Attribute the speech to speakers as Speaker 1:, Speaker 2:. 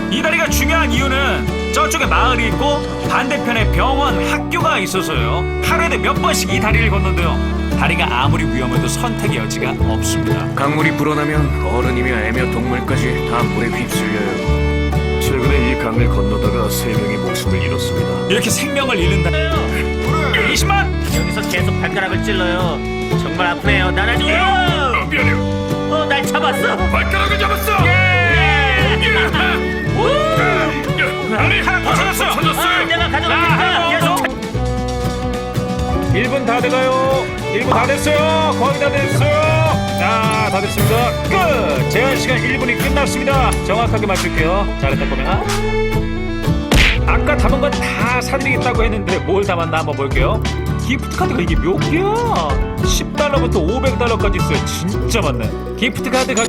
Speaker 1: 이 다리가 중요한 이유는 저쪽에 마을이 있고 반대편에 병원, 학교가 있어서요. 하루에도 몇 번씩 이 다리를 건너는데요. 다리가 아무리 위험해도 선택의 여지가 없습니다.
Speaker 2: 강물이 불어나면 어른이며 애며 동물까지 다 물에 휩쓸려요.
Speaker 3: 최근에 이 강을 건너다가 3명이 목숨을 잃었습니다.
Speaker 1: 이렇게 생명을 잃는다. 20만!
Speaker 4: 여기서 계속 발가락을 찔러요. 정말 아프네요. 나눠줘요.
Speaker 3: 미안해요.
Speaker 4: 날 잡았어.
Speaker 3: 발가락을 잡았어.
Speaker 1: 아니, 하나 더 찾았어요.
Speaker 4: 내가 가져가니까 계속.
Speaker 1: 1분 다 돼가요. 1분 다 됐어요. 거의 다 됐어요. 자, 다 됐습니다. 끝! 제한 시간 1분이 끝났습니다. 정확하게 맞출게요. 잘했다, 꼬맹아. 아까 담은 건 다 사드리겠다고 했는데 뭘 담았나 한번 볼게요. 기프트 카드가 이게 몇 개야? $10부터 $500까지 있어요. 진짜 많네. 기프트 카드